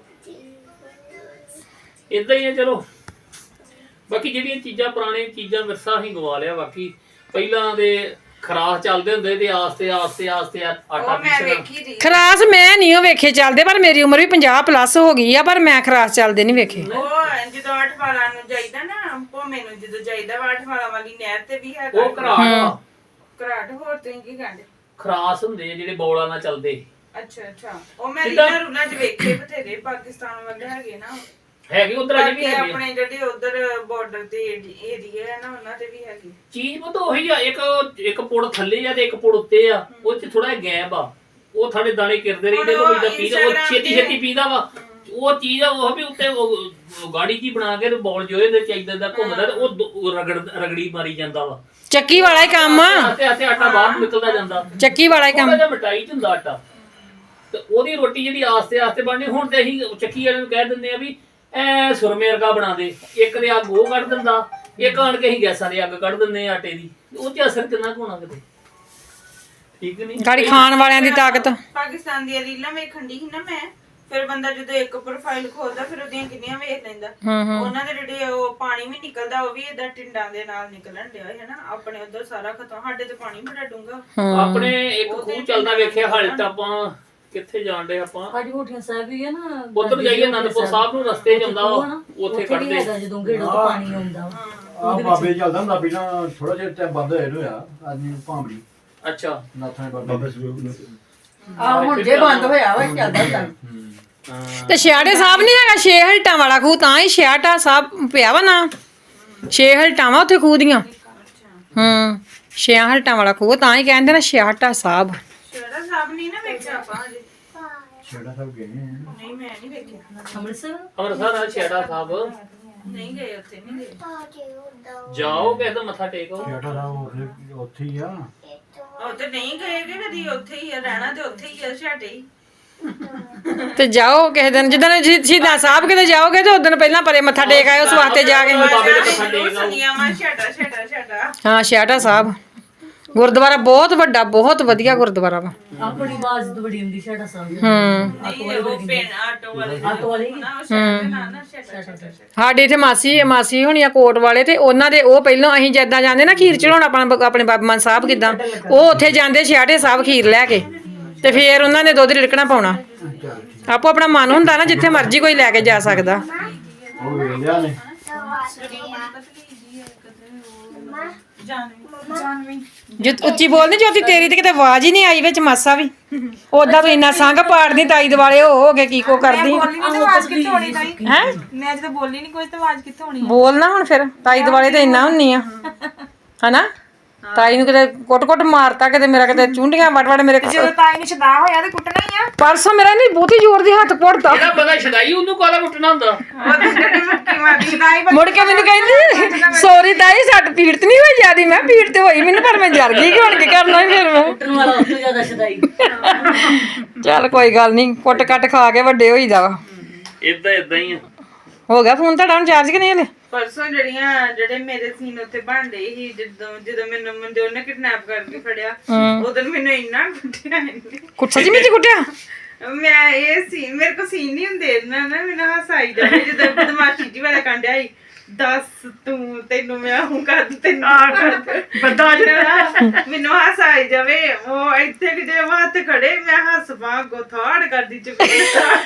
Speaker 5: ਇਦਾਂ ਹੀ ਹੈ। ਚਲੋ ਬਾਕੀ ਜਿਹੜੀਆਂ ਚੀਜ਼ਾਂ ਪੁਰਾਣੀਆਂ ਚੀਜ਼ਾਂ ਵਿਰਸਾ ਹੀ ਗਵਾ ਲਿਆ। ਬਾਕੀ ਪਹਿਲਾਂ ਦੇ ਖਰਾਸ ਚੱਲਦੇ ਹੁੰਦੇ ਤੇ ਆਸਤੇ ਆਸਤੇ ਆਸਤੇ ਆਟਾ
Speaker 2: ਉਹ ਮੈਂ
Speaker 5: ਪੀਸਣਾ।
Speaker 2: ਵੇਖੀ ਰਹੀ
Speaker 1: ਖਰਾਸ ਮੈਂ ਨਹੀਂ ਉਹ ਵੇਖੇ ਚੱਲਦੇ ਪਰ ਮੇਰੀ ਉਮਰ ਵੀ ਪੰਜਾਹ ਪਲੱਸ ਹੋ ਗਈ ਆ ਪਰ ਮੈਂ ਖਰਾਸ ਚੱਲਦੇ ਨਹੀਂ ਵੇਖੇ
Speaker 2: ਉਹ ਜਦੋਂ ਅੱਠ ਵਾਲਾਂ ਨੂੰ ਜਾਈਦਾ ਨਾ ਭੋਮੇ ਨੂੰ ਜਦੋਂ ਜਾਈਦਾ ਵਾ ਅੱਠ ਵਾਲਾਂ ਵਾਲੀ ਨਹਿਰ ਤੇ ਵੀ ਹੈਗਾ
Speaker 5: ਉਹ ਘਰਾਟ ਆ।
Speaker 2: ਘਰਾਟ ਹੋਰ ਤੁਸੀਂ ਕੀ ਕਹਿੰਦੇ
Speaker 5: ਖਰਾਸ ਹੁੰਦੇ ਆ ਜਿਹੜੇ ਬੌਲਾਂ ਨਾਲ ਚੱਲਦੇ
Speaker 2: ਅੱਛਾ ਅੱਛਾ ਉਹ ਮੈਂ ਰੀਲਾਂ ਰੂਲਾਂ ਚ ਵੇਖੇ ਬਥੇਰੇ ਪਾਕਿਸਤਾਨ ਵੱਲ ਹੈਗੇ ਨਾ
Speaker 5: ਹੈਗੇ ਉਧਰ ਅਜੇ ਵੀ
Speaker 2: ਬਾਕੀ
Speaker 5: ਹੈਗੇ ਆ।
Speaker 2: ਆਪਣੇ ਜਿਹੜੇ ਉਧਰ ਬਾਰਡਰ ਤੇ ਏਰੀਆ ਹੈ ਨਾ ਉਹਨਾਂ ਤੇ ਵੀ ਹੈਗੇ
Speaker 5: ਚੀਜ਼ ਪਤਾ ਉਹੀ ਆ ਇੱਕ ਇੱਕ ਪੁੜ ਥੱਲੇ ਆ ਤੇ ਇੱਕ ਪੁੜ ਉੱਤੇ ਆ ਉਹ ਚ ਥੋੜਾ ਗੈਪ ਆ ਉਹ ਥਾੜੇ ਦਾਣੇ ਕਿਰਦੇ ਰਹਿੰਦੇ ਕੋਈ ਦਾ ਪੀਦਾ ਉਹ ਛੇਤੀ ਛੇਤੀ ਪੀਦਾ ਵਾ ਉਹ ਚੀਜ਼ ਆ ਉਹ ਵੀ ਉੱਤੇ ਉਹ ਗਾੜੀ ਜੀ ਬਣਾ ਕੇ ਬੌਲ ਜੋਏ ਦੇ ਚਾਹੀਦਾ ਦਾ ਘੁੰਮਦਾ ਤੇ ਉਹ ਰਗੜ ਰਗੜੀ ਮਾਰੀ ਜਾਂਦਾ ਵਾ
Speaker 1: ਚੱਕੀ ਵਾਲਾ ਹੀ ਕੰਮ ਆ
Speaker 5: ਤੇ ਆਤੇ ਆਟਾ ਬਾਹਰ ਨਿਕਲਦਾ ਜਾਂਦਾ
Speaker 1: ਚੱਕੀ ਵਾਲਾ ਹੀ ਕੰਮ
Speaker 5: ਥੋੜਾ ਜਿਹਾ ਮਟਾਈ ਚ ਹੁੰਦਾ ਆਟਾ ਤੇ ਉਹਦੀ ਰੋਟੀ ਜਿਹੜੀ ਆਸਤੇ ਆਸਤੇ ਬਣਨੀ ਹੁਣ ਤੇ ਅਸੀਂ ਚੱਕੀ ਵਾਲੇ ਨੂੰ ਕਹਿ ਦਿੰਦੇ ਆ ਵੀ ਐ ਸੁਰਮੇ ਵਰਗਾ ਬਣਾ ਦੇ ਇੱਕ ਦੇ ਅੱਗ ਉਹ ਕੱਢ ਦਿੰਦਾ ਇੱਕ ਆਣ ਕੇ ਅਸੀਂ ਗੈਸਾਂ ਦੀ ਅੱਗ ਕੱਢ ਦਿੰਦੇ ਆ ਆਟੇ ਦੀ ਉਹ ਤੇ ਅਸਰ ਕਿੰਨਾ ਕੁ ਹੋਣਾ ਕਿਤੇ ਠੀਕ ਨਹੀਂ
Speaker 1: ਗਾੜੀ ਖਾਣ ਵਾਲਿਆਂ ਦੀ ਤਾਕਤ
Speaker 2: ਪਾਕਿਸਤਾਨ ਦੀਆਂ ਰੀਲਾਂ ਵੇਖਣ ਦੀ ਸੀ ਨਾ ਮੈਂ ਫਿਰ ਬੰਦਾ ਜਦੋਂ ਇੱਕ ਪ੍ਰੋਫਾਈਲ ਖੋਲਦਾ ਫਿਰ ਉਹਦੀਆਂ ਕਿੰਨੀਆਂ ਵੇਖ ਲੈਂਦਾ ਉਹਨਾਂ ਦੇ ਜਿਹੜੇ ਉਹ ਪਾਣੀ ਵੀ ਨਿਕਲਦਾ ਉਹ ਵੀ ਏਦਾਂ ਟਿੰਡਾਂ ਦੇ ਨਾਲ ਨਿਕਲਣ ਡਿਆ ਹੈ ਨਾ ਆਪਣੇ ਉਧਰ ਸਾਰਾ ਖਤਮ ਸਾਡੇ ਤੇ ਪਾਣੀ ਬੜਾ ਡੂੰਗਾ
Speaker 5: ਆਪਣੇ ਇੱਕ ਖੂਹ ਚੱਲਦਾ ਵੇਖਿਆ ਹਲਟ ਆਪਾਂ ਕਿੱਥੇ ਜਾਣ ਡੇ ਆਪਾਂ
Speaker 3: ਸਾਡੀ ਹੋਠੀਆਂ ਸਾਹਿਬ ਵੀ ਹੈ ਨਾ
Speaker 5: ਉੱਧਰ ਜਾਈਏ ਅਨੰਦਪੁਰ ਸਾਹਿਬ ਨੂੰ ਰਸਤੇ ਚ ਆਉਂਦਾ ਵਾ, ਉੱਥੇ ਕੱਢਦੇ
Speaker 3: ਹੈਗਾ ਜਦੋਂ ਗੇੜੋਂ ਤੋਂ ਪਾਣੀ ਆਉਂਦਾ ਵਾ
Speaker 4: ਆ ਬਾਬੇ ਚੱਲਦਾ ਹੁੰਦਾ ਪਹਿਲਾਂ ਥੋੜਾ ਜਿਹਾ ਟਾਈਮ ਬੰਦ ਹੋਇਆ ਨੂੰ ਹੋਇਆ ਆਦਮੀ ਭਾਂਬੜੀ
Speaker 5: ਅੱਛਾ
Speaker 4: ਨਾਥਾਂ ਦੇ ਬਾਬੇ
Speaker 6: ਆ ਹੁਣ ਜੇ ਬੰਦ ਹੋਇਆ ਵਾ ਚੱਲਦਾ ਹੁੰਦਾ
Speaker 1: ਤੇ ਛਿਆਟੇ ਸਾਹਿਬ ਨਹੀਂ ਹੈਗਾ ਛੇ ਹਲਟਾਂ ਵਾਲਾ ਖੂਹ ਤਾਂ ਹੀ ਛਿਆਟਾ ਸਾਹਿਬ ਪਿਆ ਵਾ ਨਾ ਛੇ ਹਲਟਾਂ ਵਾ ਉੱਥੇ ਖੂਹ ਦੀਆਂ ਹੂੰ ਛੇ ਹਲਟਾਂ ਵਾਲਾ ਖੂਹ ਤਾਂ ਹੀ ਕਹਿੰਦੇ ਨਾ ਛਿਆਟਾ ਸਾਹਿਬ
Speaker 2: ਛੇੜਾ ਸਾਹਿਬ ਨਹੀਂ ਨਾ ਵੇਖਿਆ ਆਪਾਂ ਹਜੇ
Speaker 4: ਛੇੜਾ ਸਭ ਗਏ ਆ।
Speaker 2: ਨਹੀਂ ਮੈਂ ਨਹੀਂ ਵੇਖਿਆ
Speaker 5: ਅੰਮ੍ਰਿਤਸਰ ਛੇੜਾ ਸਾਹਿਬ
Speaker 2: ਨਹੀਂ ਗਏ ਉੱਥੇ ਨਹੀਂ ਗਏ
Speaker 5: ਜਾਓ ਕਿਸੇ ਦਾ ਮੱਥਾ ਟੇਕੋ
Speaker 4: ਛੇੜਾ ਦਾ ਉੱਥੇ ਉੱਥੇ ਹੀ ਆ।
Speaker 2: ਉੱਥੇ ਨਹੀਂ ਗਏ ਕਿ ਕਦੀ ਉੱਥੇ ਹੀ ਆ ਰਹਿਣਾ ਤੇ ਉੱਥੇ ਹੀ ਆ ਛਾਟੇ ਹੀ
Speaker 1: ਤੇ ਜਾਓ ਕਿਸੇ ਦਿਨ ਜਿੱਦਣ ਸ਼ਹੀਦਾਂ ਸਾਹਿਬ ਕਿਤੇ ਜਾਓਗੇ ਤੇ ਉਦੋਂ ਪਹਿਲਾਂ ਪਰੇ ਮੱਥਾ ਟੇਕ ਆਇਓ ਉਸ ਵਾਸਤੇ ਜਾ ਕੇ
Speaker 5: ਬਾਬੇ ਦੇ ਮੱਥਾ ਟੇਕ ਆਓ।
Speaker 2: ਸੁਣੀਆਂ ਮਾ ਛਾਟਾ ਛਾਟਾ ਛਾਟਾ
Speaker 1: ਹਾਂ ਛਿਆਟਾ ਸਾਹਿਬ ਗੁਰਦੁਆਰਾ ਬਹੁਤ ਵੱਡਾ ਬਹੁਤ ਵਧੀਆ ਗੁਰਦੁਆਰਾ ਵਾ
Speaker 6: ਆਪਣੀ ਬਾਜ਼ ਤੋਂ ਬੜੀ ਹੁੰਦੀ ਛੇੜਾ ਸਾਹਿਬ
Speaker 1: ਹੂੰ
Speaker 2: ਨਹੀਂ ਉਹ ਪੇਨ ਆਟੋ ਵਾਲੇ
Speaker 6: ਆਟੋ ਵਾਲੇ
Speaker 2: ਨਾ ਉਹ ਛਾਟੇ ਨਾ ਨਾ ਛਾਟਾ ਛਾਟਾ
Speaker 1: ਸਾਡੇ ਇੱਥੇ ਮਾਸੀ ਮਾਸੀ ਹੋਣੀ ਆ ਕੋਟ ਵਾਲੇ ਤੇ ਉਹਨਾਂ ਦੇ ਉਹ ਪਹਿਲਾਂ ਅਸੀਂ ਜਿੱਦਾਂ ਜਾਂਦੇ ਨਾ ਖੀਰ ਚੜਾਉਣ ਆਪਣਾ ਆਪਣੇ ਬਾਬਾ ਮਾਨ ਸਾਹਿਬ ਕਿਦਾਂ ਉਹ ਉੱਥੇ ਜਾਂਦੇ ਛਿਆਟੇ ਸਾਹਿਬ ਖੀਰ ਲੈ ਕੇ ਤੇ ਫੇਰ ਉਹਨਾਂ ਨੇ ਦੁੱਧ ਰਿੜਕਣਾ ਪਾਉਣਾ ਆਪੋ ਆਪਣਾ ਮਨ ਹੁੰਦਾ ਨਾ ਜਿੱਥੇ ਮਰਜ਼ੀ ਕੋਈ ਲੈ ਕੇ ਜਾ ਸਕਦਾ
Speaker 4: ਉਹ ਵੇਖ ਲਿਆ ਨੇ
Speaker 1: ਜੇ ਉੱਚੀ ਬੋਲਦੀ ਜੋਤੀ ਤੇਰੀ ਤੇ ਕਿਤੇ ਆਵਾਜ਼ ਹੀ ਨਹੀਂ ਆਈ ਵਿੱਚ ਮਾਸਾ ਵੀ ਉਦਾਂ ਤੂੰ ਇੰਨਾ ਸੰਗ ਪਾੜਦੀ ਤਾਈ ਦੁਆਲੇ ਹੋ ਹੋ ਕੇ ਕੀ ਕੋ ਕਰਦੀ
Speaker 2: ਬੋਲੀ ਨਹੀਂ ਤੇ ਆਵਾਜ਼ ਕਿੱਥੋਂ ਹੋਣੀ ਤਾਈ
Speaker 1: ਹੈ
Speaker 2: ਮੈਂ ਜਦੋਂ ਬੋਲੀ ਨਹੀਂ ਕੁਝ ਤੇ ਆਵਾਜ਼ ਕਿੱਥੋਂ ਹੋਣੀ
Speaker 1: ਬੋਲ ਨਾ ਹੁਣ ਫਿਰ ਤਾਈ ਦੁਆਲੇ ਤੇ ਇੰਨਾ ਹੁੰਨੀ ਆ ਹਨਾ ਤਾਈ ਨੂੰ ਕਿਤੇ ਕੁੱਟ-ਕੁੱਟ ਮਾਰਤਾ ਕਿਤੇ ਮੇਰਾ ਕਿਤੇ ਚੁੰਡੀਆਂ ਵੜ-ਵੜ ਮੇਰੇ
Speaker 2: ਜਦੋਂ ਤਾਈ ਨੂੰ ਛਦਾ ਹੋਇਆ ਤੇ ਕੁੱਟਣਾ ਹੀ ਆ
Speaker 1: ਪਰਸੋਂ ਮੇਰਾ ਨਹੀਂ ਬਹੁਤੀ ਜ਼ੋਰ ਦੀ ਹੱਥ ਕੁੱਟਦਾ
Speaker 5: ਜਿਹੜਾ ਬੰਦਾ ਛਡਾਈ ਉਹਨੂੰ ਕਾਲਾ ਕੁੱਟਣਾ ਹੁੰਦਾ
Speaker 2: ਉਹ ਜਿਹੜੀ ਮੱਕੀ ਮਾਰਦੀ ਤਾਈ
Speaker 1: ਮੁੜ ਕੇ ਮੈਨੂੰ ਕਹਿੰਦੀ ਸੌਰੀ ਤਾਈ ਸੱਟ ਪੀੜ ਤੇ ਨਹੀਂ ਹੋਈ ਜਿਆਦੀ ਮੈਂ ਪੀੜ ਤੇ ਹੋਈ ਮੈਨੂੰ ਪਰ ਮੈਂ ਜਰ ਗਈ ਕਿ ਹੁਣ ਕੀ ਕਰਨਾ ਸੀ ਫਿਰ ਮੈਂ
Speaker 6: ਕੁੱਟਣ ਵਾਲਾ ਉਸ ਤੋਂ ਜ਼ਿਆਦਾ ਛਦਾਈ
Speaker 1: ਚੱਲ ਕੋਈ ਗੱਲ ਨਹੀਂ ਕੁੱਟ-ਕੱਟ ਖਾ ਕੇ ਵੱਡੇ ਹੋਈਦਾ ਵਾ
Speaker 5: ਇਦਾਂ ਇਦਾਂ ਹੀ ਆ
Speaker 1: ਹੋ ਗਿਆ ਫੋਨ ਤੁਹਾਡਾ ਹੁਣ ਚਾਰਜ ਕਿ ਨਹੀਂ ਹਲੇ
Speaker 2: ਪਰਸੋਂ ਜਿਹੜੀਆਂ ਜਿਹੜੇ ਮੇਰੇ ਸੀਨ ਉੱਥੇ ਬਣਦੇ ਸੀ ਜਦੋਂ ਜਦੋਂ ਮੈਨੂੰ ਮੰਦੇ ਉਹਨੇ ਕਿਡਨੈਪ ਕਰਕੇ ਫੜਿਆ ਉਦੋਂ ਮੈਨੂੰ ਇੰਨਾ ਕੁੱਟਿਆ ਇਹਨੇ
Speaker 1: ਕੁੱਟ ਸੱਚੀ ਵਿੱਚ ਕੁੱਟਿਆ
Speaker 2: ਮੈਂ ਇਹ ਸੀ ਮੇਰੇ ਕੋ ਸੀਨ ਨਹੀਂ ਹੁੰਦੇ ਨਾ ਨਾ ਮੈਨੂੰ ਹਾਸਾ ਆਈ ਜਾਂਦਾ ਜਦੋਂ ਬਦਮਾਸ਼ੀ ਜੀ ਵਾਲਾ ਕਾਂਡਿਆ ਸੀ ਦੱਸ ਤੂੰ ਤੈਨੂੰ ਮੈਂ ਹੂੰ ਕਰ ਦੂੰ ਤੈਨੂੰ ਆ ਕਰ ਬੰਦਾ ਜਿਹੜਾ ਮੈਨੂੰ ਹਾਸਾ ਆਈ ਜਾਵੇ ਉਹ ਇੱਥੇ ਕਿ ਜੇ ਹੱਥ ਖੜੇ ਮੈਂ ਹੱਸ ਪਾ ਗੋਥਾੜ ਕਰਦੀ ਚੁੱਕੀ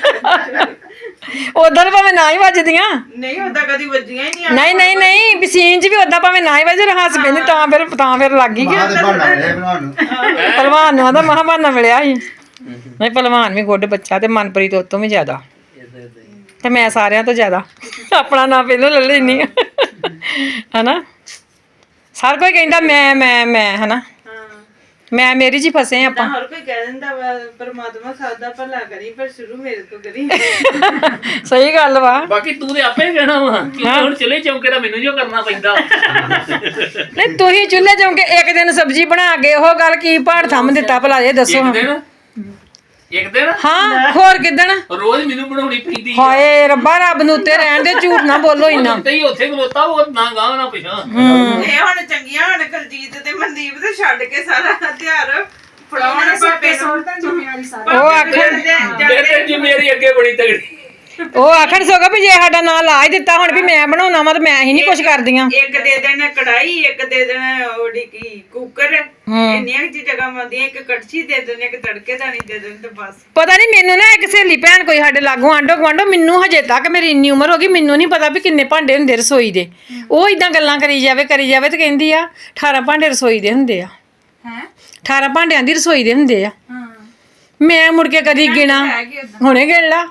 Speaker 1: ਉਧਰ ਭਾਵੇਂ ਨਾ ਹੀ ਵੱਜਦੀਆਂ
Speaker 2: ਨਹੀਂ ਹੁੰਦਾ ਕਦੀ ਵੱਜੀਆਂ ਹੀ ਨਹੀਂ
Speaker 1: ਨਹੀਂ ਨਹੀਂ ਨਹੀਂ ਵੀ ਸੀਨ 'ਚ ਵੀ ਉਦਾਂ ਭਾਵੇਂ ਨਾ ਹੀ ਵੱਜੇ ਹੱਸ ਪੈਂਦੀ ਤਾਂ ਫਿਰ ਤਾਂ ਫਿਰ ਲੱਗ ਗਈ ਕਿ
Speaker 6: ਬਾਹਰ ਦੇ ਬਣਨਾ ਹੈ ਬਣਾਉਣ ਨੂੰ
Speaker 1: ਪਹਿਲਵਾਨ ਨੂੰ ਆਦਾ ਮਹਾਬਾਨਾ ਮਿਲਿਆ ਸੀ ਨਹੀਂ ਪਹਿਲਵਾਨ ਵੀ ਗੁੱਡ ਬੱਚਾ ਤੇ ਮਨਪ੍ਰੀਤ ਉਹ ਤੋਂ ਵੀ ਜ਼ਿਆਦਾ ਤੇ ਮੈਂ ਸਾਰਿਆਂ ਤੋਂ ਜ਼ਿਆਦਾ ਆਪਣਾ ਨਾਂ ਪਹਿਲਾਂ ਲੈ ਲੈਣੀ ਹਨਾ ਸਾਰ ਕੋਈ ਕਹਿੰਦਾ ਮੈਂ ਮੈਂ ਮੈਂ ਹਨਾ ਮੈਂ ਮੇਰੀ ਜੀ ਫਸੇ ਆਪਾਂ
Speaker 2: ਹਰ ਕੋਈ ਕਹਿ ਦਿੰਦਾ ਵਾ ਪਰਮਾਤਮਾ ਸਭ ਦਾ ਭਲਾ ਕਰੀ ਪਰ ਸ਼ੁਰੂ ਮੇਰੇ ਤੋਂ ਕਰੀ
Speaker 1: ਸਹੀ ਗੱਲ ਵਾ
Speaker 5: ਬਾਕੀ ਤੂੰ ਤੇ ਆਪੇ ਕਹਿਣਾ ਵਾ ਕਿ ਹੁਣ ਚੁੱਲ੍ਹੇ ਚੌਂਕੇ ਦਾ ਮੈਨੂੰ ਜੋ ਕਰਨਾ ਪੈਂਦਾ
Speaker 1: ਨਹੀਂ ਤੁਸੀਂ ਚੁੱਲ੍ਹੇ ਚੌਂਕੇ ਇੱਕ ਦਿਨ ਸਬਜ਼ੀ ਬਣਾ ਕੇ ਉਹ ਗੱਲ ਕੀ ਪਹਾੜ ਥੰਮ ਦਿੱਤਾ ਭਲਾ ਇਹ ਦੱਸੋ
Speaker 5: ਇੱਕ ਦਿਨ ਇੱਕ ਦਿਨ
Speaker 1: ਹਾਂ ਹੋਰ ਕਿਦਣ
Speaker 5: ਰੋਜ਼ ਮੈਨੂੰ ਬਣਾਉਣੀ ਪੈਂਦੀ
Speaker 1: ਹਾਏ ਰੱਬਾ ਰੱਬ ਨੂੰ ਉੱਤੇ ਰਹਿਣ ਦੇ ਝੂਠ ਨਾ ਬੋਲੋ ਇੰਨਾ
Speaker 5: ਤੇ ਹੀ ਉੱਥੇ ਖਲੋਤਾ ਉਹ ਨਾ ਗਾਂ ਨਾ ਪਿਛਾਂ
Speaker 2: ਇਹ ਹੁਣ ਚੰਗੀਆਂ ਹੁਣ ਕੁਲਜੀਤ ਤੇ ਮਨਦੀਪ ਤੇ ਛੱਡ ਕੇ ਸਾਰਾ ਹਥਿਆਰ ਫੜਾਉਣ ਪਾਪੇ ਨੂੰ
Speaker 1: ਉਹ ਆਖਣ
Speaker 5: ਮੇਰੇ ਤੇ ਜ਼ਿੰਮੇਵਾਰੀ ਅੱਗੇ ਬੜੀ ਤਗੜੀ
Speaker 1: ਉਹ ਆਖਣ ਸੋਗਾ ਵੀ ਜੇ ਸਾਡਾ ਨਾਂ ਲਾ ਹੀ ਦਿੱਤਾ ਹੁਣ ਵੀ ਮੈਂ ਬਣਾਉਣਾ ਵਾ ਤੇ ਮੈਂ ਹੀ ਨਹੀਂ ਕੁਝ ਕਰਦੀਆਂ
Speaker 2: ਇੱਕ ਦੇ ਦੇਣ ਕੜਾਈ ਇੱਕ ਦੇ ਦੇਣ ਉਹਦੀ ਕੀ ਕੁੱਕਰ ਇੰਨੀਆਂ ਚੀਜ਼ਾਂ ਕੰਮ ਆਉਂਦੀਆਂ ਇੱਕ ਕੜਛੀ ਦੇ ਦੇਣ ਇੱਕ ਤੜਕੇ ਦਾਣੀ ਦੇ ਦੇਣ ਤੇ ਬਸ
Speaker 1: ਪਤਾ ਨਹੀਂ ਮੈਨੂੰ ਨਾ ਇੱਕ ਸਹੇਲੀ ਭੈਣ ਕੋਈ ਸਾਡੇ ਲਾਗੋਂ ਆਂਡੋ ਗਵਾਂਡੋ ਮੈਨੂੰ ਹਜੇ ਤੱਕ ਮੇਰੀ ਇੰਨੀ ਉਮਰ ਹੋ ਗਈ ਮੈਨੂੰ ਨਹੀਂ ਪਤਾ ਵੀ ਕਿੰਨੇ ਭਾਂਡੇ ਹੁੰਦੇ ਰਸੋਈ ਦੇ ਉਹ ਇਦਾਂ ਗੱਲਾਂ ਕਰੀ ਜਾਵੇ ਕਰੀ ਜਾਵੇ ਤੇ ਕਹਿੰਦੀ ਆ ਅਠਾਰਾਂ ਭਾਂਡੇ ਰਸੋਈ ਦੇ ਹੁੰਦੇ ਆ
Speaker 2: ਹੈ
Speaker 1: ਅਠਾਰਾਂ ਭਾਂਡਿਆਂ ਦੀ ਰਸੋਈ ਦੇ ਹੁੰਦੇ ਆ
Speaker 2: ਹਾਂ
Speaker 1: ਮੈਂ ਮੁੜ ਕੇ ਕਦੀ ਗਿਣਾ ਹੁਣੇ ਗਿਣ ਲਾ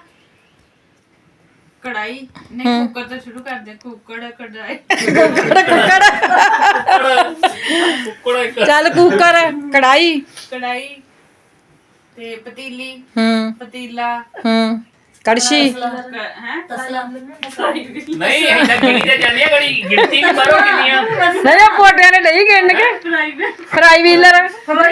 Speaker 2: ਕੜਾਈ ਨਹੀਂ ਕੁੱਕਰ ਤੋਂ ਸ਼ੁਰੂ ਕਰਦੇ ਕੁੱਕੜ ਕੜਾਈ
Speaker 1: ਕੁੱਕੜ
Speaker 5: ਕੁੱਕੜਾ ਇੱਕ
Speaker 1: ਚੱਲ ਕੁੱਕਰ ਕੜਾਈ
Speaker 2: ਕੜਾਈ ਤੇ ਪਤੀਲੀ
Speaker 1: ਹੂੰ
Speaker 2: ਪਤੀਲਾ
Speaker 1: ਹੂੰ ਕੜਛੀ
Speaker 2: ਹੈ
Speaker 6: ਤਸਲਾ
Speaker 5: ਨਹੀਂ ਇੰਨਾ ਗਿਣੀ ਤੇ ਜਾਂਦੀ ਆ ਗੜੀ ਗਿਣਤੀ ਵੀ ਬਾਹਰੋਂ ਕਿੰਨੀਆਂ
Speaker 1: ਨਹੀਂ ਉਹ ਪੋਟਿਆਂ ਨੇ ਨਹੀਂ ਗਿਣ ਕੇ ਫਰਾਈ ਵੀਲਰ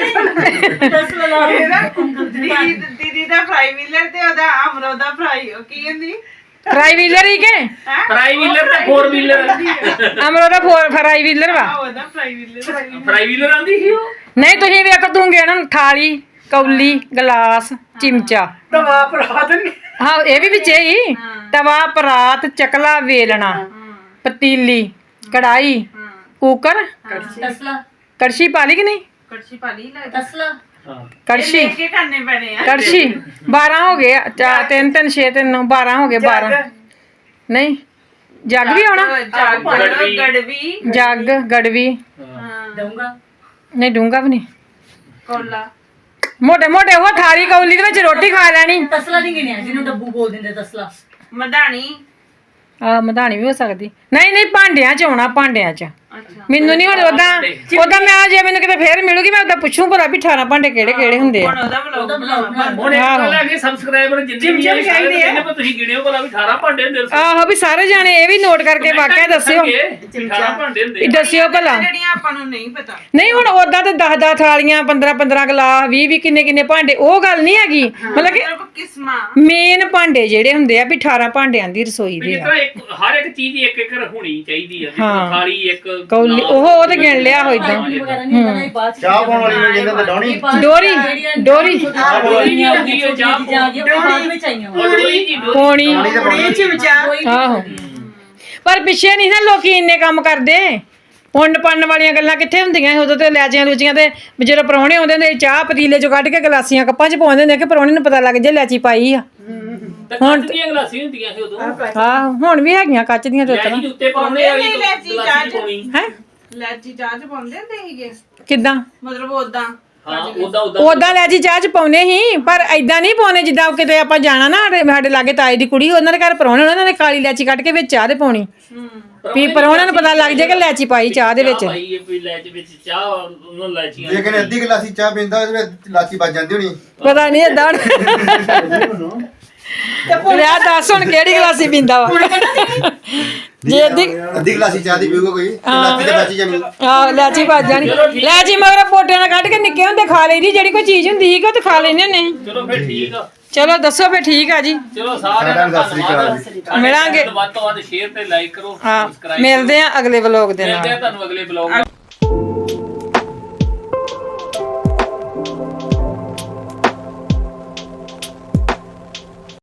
Speaker 2: ਦੀਦੀ ਦੀਦੀ ਦਾ ਫਰਾਈ ਵੀਲਰ ਤੇ ਉਹਦਾ ਅਮਰੋ ਦਾ ਫਰਾਈ ਉਹ ਕੀ ਹੁੰਦੀ
Speaker 1: ਫਰਾਈ ਵੀਲਰ ਹੀ ਕੇ
Speaker 5: ਫਰਾਈ ਵੀਲਰ ਤੇ ਫੋਰ ਵੀਲਰ
Speaker 1: ਅਮਰੋ ਦਾ ਫੋਰ ਫਰਾਈ ਵੀਲਰ ਵਾ
Speaker 2: ਉਹਦਾ ਫਰਾਈ ਵੀਲਰ
Speaker 5: ਫਰਾਈ ਵੀਲਰ ਆਂਦੀ ਸੀ ਉਹ
Speaker 1: ਨਹੀਂ ਤੁਸੀਂ ਵੇਖ ਤੂੰ ਗਿਣ ਥਾਲੀ ਕੌਲੀ ਗਲਾਸ ਚਿਮਚਾ
Speaker 6: ਤਵਾ ਪਰਾ ਦੇਣਗੇ
Speaker 1: ਹਾਂ ਇਹ ਵੀ ਵਿੱਚੇ ਹੀ ਤਵਾ ਪਰਾਤ ਚਕਲਾ ਵੇਲਣਾ ਪਤੀਲੀ ਕੜਾਈ ਕੁੱਕਰ
Speaker 6: ਤਸਲਾ
Speaker 1: ਕੜਛੀ ਪਾ ਲਈ ਕਿ ਨਹੀਂ
Speaker 2: ਕੜਛੀ ਪਾ ਲਈ ਲੈ
Speaker 6: ਤਸਲਾ
Speaker 1: ਕੜਛੀ
Speaker 2: ਕੀ ਕਰਨੇ ਪੈਣੇ ਆ
Speaker 1: ਕੜਛੀ ਬਾਰਾਂ ਹੋ ਗਏ ਚਾਰ ਤਿੰਨ ਤਿੰਨ ਛੇ ਤਿੰਨ ਬਾਰਾਂ ਹੋ ਗਏ ਬਾਰਾਂ ਨਹੀਂ ਜੱਗ ਵੀ ਆਉਣਾ
Speaker 2: ਜੱਗ ਗੜਵੀ
Speaker 1: ਜੱਗ ਗੜਵੀ
Speaker 6: ਦਊਂਗਾ
Speaker 1: ਨਹੀਂ ਡੂੰਗਾ ਵੀ ਨਹੀਂ
Speaker 2: ਕੋਲਾ
Speaker 1: ਮੋਟੇ ਮੋਟੇ ਉਹ ਥਾਲੀ ਕੌਲੀ ਦੇ ਵਿੱਚ ਰੋਟੀ ਖਾ ਲੈਣੀ।
Speaker 6: ਤਸਲਾ ਨਹੀਂ ਗਿਣਿਆ ਜਿਹਨੂੰ ਡੱਬੂ ਬੋਲ ਦਿੰਦੇ ਤਸਲਾ।
Speaker 2: ਮਧਾਣੀ
Speaker 1: ਆ ਮਧਾਣੀ ਵੀ ਹੋ ਸਕਦੀ। ਨਹੀਂ ਨਹੀਂ ਭਾਂਡਿਆਂ ਚ ਆਉਣਾ, ਭਾਂਡਿਆਂ ਚ।
Speaker 2: ਅੱਛਾ
Speaker 1: ਮੈਨੂੰ ਨਹੀਂ ਹੁਣ ਉਦਾਂ ਉਦਾਂ ਮੈਂ ਜੇ ਮੈਨੂੰ ਕਿਤੇ ਫੇਰ ਮਿਲੂਗੀ ਮੈਂ ਉਦਾਂ ਪੁੱਛੂ ਭਲਾ ਵੀ ਅਠਾਰਾਂ ਭਾਂਡੇ ਕਿਹੜੇ ਕਿਹੜੇ ਹੁੰਦੇ ਆ।
Speaker 2: ਹੁਣ ਉਹਦਾ ਵਲੌਗ ਬਣਾਉਣਾ।
Speaker 5: ਹੁਣ ਇੱਕ ਗੱਲ ਹੈ ਕਿ ਸਬਸਕ੍ਰਾਈਬਰ ਜਿੰਨੇ ਵੀ ਆ ਚਾਹੀਦੇ ਆ ਪਰ ਤੁਸੀਂ ਗਿਣਿਓ ਭਲਾ ਵੀ ਅਠਾਰਾਂ ਭਾਂਡੇ ਹੁੰਦੇ ਨੇ।
Speaker 1: ਆਹੋ ਵੀ ਸਾਰੇ ਜਾਣੇ ਇਹ ਵੀ ਨੋਟ ਕਰਕੇ ਵਾਕਿਆ ਦੱਸਿਓ,
Speaker 5: ਅਠਾਰਾਂ ਭਾਂਡੇ ਹੁੰਦੇ
Speaker 1: ਵੀ ਦੱਸਿਓ ਭਲਾ।
Speaker 2: ਜਿਹੜੀਆਂ ਆਪਾਂ ਨੂੰ ਨਹੀਂ ਪਤਾ।
Speaker 1: ਨਹੀਂ ਹੁਣ ਉਦਾਂ ਤੇ ਦਸ ਦਸ ਥਾਲੀਆਂ, ਪੰਦਰਾਂ ਪੰਦਰਾਂ ਗਲਾਸ, ਵੀਹ ਵੀਹ ਕਿੰਨੇ ਕਿੰਨੇ ਭਾਂਡੇ, ਉਹ ਗੱਲ ਨਹੀਂ ਹੈਗੀ। ਮਤਲਬ ਕਿ
Speaker 2: ਸਿਰਫ ਕਿਸਮਾਂ
Speaker 1: ਮੇਨ ਭਾਂਡੇ ਜਿਹੜੇ ਹੁੰਦੇ ਆ ਵੀ ਅਠਾਰਾਂ ਭਾਂਡਿਆਂ ਦੀ ਰਸੋਈ ਦੇ
Speaker 5: ਜਿਸ
Speaker 1: ਆ।
Speaker 5: ਤਰ੍ਹਾਂ ਇੱਕ ਹਰ ਇੱਕ ਚੀਜ਼ ਇੱਕ ਇੱਕ ਹੋਣੀ ਚਾਹੀਦੀ ਆ।
Speaker 1: ਹਾਂ।
Speaker 5: ਥਾਲੀ ਇੱਕ
Speaker 1: ਕੌਲੀ ਉਹ ਉਹ ਤੇ ਗਿਣ ਲਿਆ ਹੋ ਇਦਾਂ।
Speaker 6: ਵਗੈਰਾ ਨਹੀਂ ਹੁੰਦਾ ਨਾ, ਇਹ ਬਾਅਦ ਚ
Speaker 4: ਚਾਹ ਪਾਉਣ ਵਾਲੀ ਨੂੰ ਕਹਿੰਦੇ ਡਾਉਣੀ।
Speaker 1: ਡੋਰੀ ਡੋਰੀ
Speaker 5: ਡੋਰੀ ਨਹੀਂ ਆਉਂਦੀ ਉਹ ਚਾਹ
Speaker 6: ਬਾਅਦ ਵਿੱਚ ਆਈਆਂ ਵਾ।
Speaker 5: ਉਹ ਡੋਰੀ ਜੀ ਡੋਰੀ।
Speaker 1: ਪੌਣੀ।
Speaker 2: ਇਹ ਚਮਚਾ
Speaker 1: ਆਹੋ ਪਰ ਪਿੱਛੇ ਨਹੀਂ ਨਾ ਲੋਕੀ ਇੰਨੇ ਕੰਮ ਕਰਦੇ। ਪੁੰਨ ਪੰਨ ਵਾਲੀਆਂ ਗੱਲਾਂ ਕਿੱਥੇ ਹੁੰਦੀਆਂ ਸੀ ਉਦੋਂ ਤੇ ਲੈਚੀਆਂ ਲੂਚੀਆਂ ਤੇ ਜਦੋਂ ਪ੍ਰਾਹੁਣੇ ਆਉਂਦੇ ਹੁੰਦੇ ਸੀ ਚਾਹ ਪਤੀਲੇ ਚੋਂ ਕੱਢ ਕੇ ਗਲਾਸੀਆਂ ਕੱਪਾਂ 'ਚ ਪਾਉਂਦੇ ਹੁੰਦੇ ਕਿ ਪ੍ਰਾਹੁਣੇ ਨੂੰ ਪਤਾ ਲੱਗ ਜੇ ਲੈਚੀ ਪਾਈ ਆ।
Speaker 5: ਤੇ ਕੱਚ ਦੀਆਂ ਗਲਾਸੀਆਂ ਹੁੰਦੀਆਂ ਸੀ ਉਦੋਂ।
Speaker 1: ਆਹ ਹੁਣ ਵੀ ਹੈਗੀਆਂ ਕੱਚ ਦੀਆਂ ਤੇ ਉਤਰਾ।
Speaker 5: ਲੈਚੀ ਦੇ ਉੱਤੇ ਪਾਉਂਦੇ ਵਾਲੀ
Speaker 2: ਨਹੀਂ, ਲੈਚੀ
Speaker 5: ਗਲਾਸੀ
Speaker 2: ਚਾਹ 'ਚ।
Speaker 5: ਪਾਉਣੀ।
Speaker 1: ਹੈ
Speaker 2: ਲੈਚੀ ਚਾਹ ਚ ਪਾਉਂਦੇ ਹੁੰਦੇ ਸੀਗੇ
Speaker 1: ਕਿੱਦਾਂ
Speaker 2: ਮਤਲਬ ਉਦਾਂ।
Speaker 5: ਹਾਂ ਉਦਾਂ ਉਦਾਂ
Speaker 1: ਉਦਾਂ ਲੈਚੀ ਚਾਹ 'ਚ ਪਾਉਨੇ ਸੀ ਪਰ ਐਦਾਂ ਨਹੀਂ ਪਾਉਨੇ ਜਿੱਦਾਂ ਕਿਤੇ ਆਪਾਂ ਜਾਣਾ ਨਾ ਸਾਡੇ ਸਾਡੇ ਲਾਗੇ ਤਾਈ ਦੀ ਕੁੜੀ ਉਹਨਾਂ ਦੇ ਘਰ ਪ੍ਰਾਹੁਣੇ ਉਹਨਾਂ ਨੇ ਕਾਲੀ ਲੈਚੀ ਕੱਢ ਕੇ ਵਿੱਚ ਚਾਹ ਦੇ ਪਾਉਣੀ ਵੀ ਪ੍ਰਾਹੁਣਿਆਂ ਨੂੰ ਪਤਾ ਲੱਗ ਜਾਏ ਕਿ ਲੈਚੀ ਪਾਈ ਚਾਹ ਦੇ ਵਿੱਚ।
Speaker 5: ਭਾਈ ਇਹ ਕੋਈ ਲੈਚ ਵਿੱਚ ਚਾਹ ਉਹਨਾਂ ਲੈਚੀਆਂ
Speaker 7: ਜੇ ਕਿਨੇ ਅੱਧੀ ਗਲਾਸੀ ਚਾਹ ਪੀਂਦਾ ਉਹਦੇ ਵਿੱਚ ਲਾਚੀ ਵੱਜ ਜਾਂਦੀ ਹੋਣੀ।
Speaker 1: ਪਤਾ ਨਹੀਂ ਏਦਾਂ ਲਿਆ ਦੱਸ ਹੁਣ ਕਿਹੜੀ ਗਲਾਸੀ ਪੀਂਦਾ ਵਾ ਜੇ ਅੱਧੀ
Speaker 7: ਅੱਧੀ ਗਲਾਸੀ ਚਾਹ ਦੀ ਪੀਊਗਾ ਕੋਈ ਤੇ ਲਾਚੀ ਤੇ ਬਚ ਜਾਣੀ।
Speaker 1: ਆਹ ਲੈਚੀ ਵੱਜ ਜਾਣੀ। ਲੈਚੀ ਮਗਰ ਪੋਟਿਆਂ ਨਾਲ ਕੱਢ ਕੇ ਨਿੱਕੇ ਹੁੰਦੇ ਖਾ ਲਈਦੀ ਜਿਹੜੀ ਕੋਈ ਚੀਜ਼ ਹੁੰਦੀ ਸੀ ਕਿ ਉਹ ਤੇ ਖਾ ਲੈਂਦੇ ਨੇ।
Speaker 5: ਚਲੋ ਫਿਰ ਠੀਕ ਆ।
Speaker 1: ਚਲੋ ਦੱਸੋ ਫੇ ਠੀਕ ਆ ਜੀ।
Speaker 5: ਚਲੋ ਸਾਰਿਆਂ ਨੂੰ
Speaker 7: ਸਤਿ ਸ੍ਰੀ ਅਕਾਲ ਜੀ।
Speaker 1: ਮਿਲਾਂਗੇ।
Speaker 5: ਵੱਧ ਤੋਂ ਵੱਧ ਸ਼ੇਅਰ ਤੇ ਲਾਈਕ ਕਰੋ।
Speaker 1: ਹਾਂ
Speaker 5: subscribe
Speaker 1: ਮਿਲਦੇ ਆ ਅਗਲੇ ਵਲੋਗ ਦੇ ਨਾਲ।
Speaker 5: ਮਿਲਦੇ ਆ ਤੁਹਾਨੂੰ ਅਗਲੇ ਬਲੌਗ